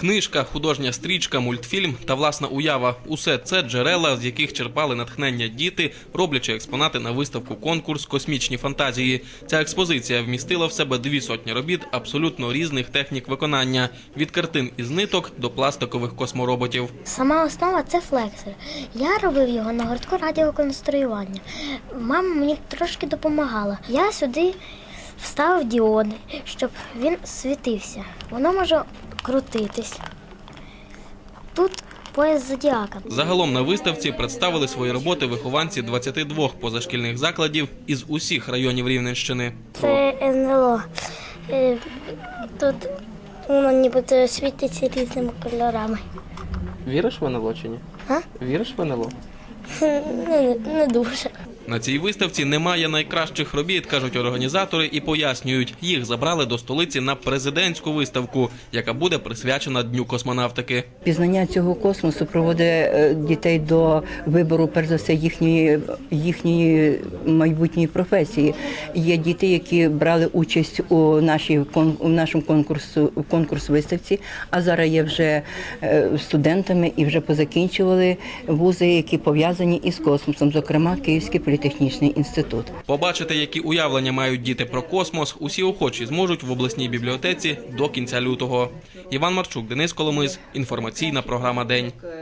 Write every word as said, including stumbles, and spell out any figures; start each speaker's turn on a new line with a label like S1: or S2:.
S1: Книжка, художня стрічка, мультфільм та власна уява – усе це джерела, з яких черпали натхнення діти, роблячи експонати на виставку-конкурс «Космічні фантазії». Ця експозиція вмістила в себе дві сотні робіт абсолютно різних технік виконання – від картин із ниток до пластикових космороботів.
S2: Сама основа – це флексор. Я робив його на гуртку радіоконструювання. Мама мені трошки допомагала. Я сюди вставив діоди, щоб він світився. Воно може крутитись. Тут пояс зодіака.
S1: Загалом на виставці представили свої роботи вихованці двадцяти двох позашкільних закладів із усіх районів Рівненщини.
S2: Це ен ел о. Тут воно ніби світиться різними кольорами.
S1: Віриш в ен ел о чи ні?
S2: А?
S1: Віриш в ен ел о?
S2: Не, не дуже.
S1: На цій виставці немає найкращих робіт, кажуть організатори, і пояснюють, їх забрали до столиці на президентську виставку, яка буде присвячена Дню космонавтики.
S3: Пізнання цього космосу приводить дітей до вибору, перш за все, їхньої, їхньої майбутньої професії. Є діти, які брали участь у, нашій, у нашому конкурсу, конкурс виставці, а зараз є вже студентами і вже позакінчували вузи, які пов'язані із космосом, зокрема Київський політехнічний інститут.
S1: Побачити, які уявлення мають діти про космос, усі охочі зможуть в обласній бібліотеці до кінця лютого. Іван Марчук, Денис Коломис. Інформаційна програма «День».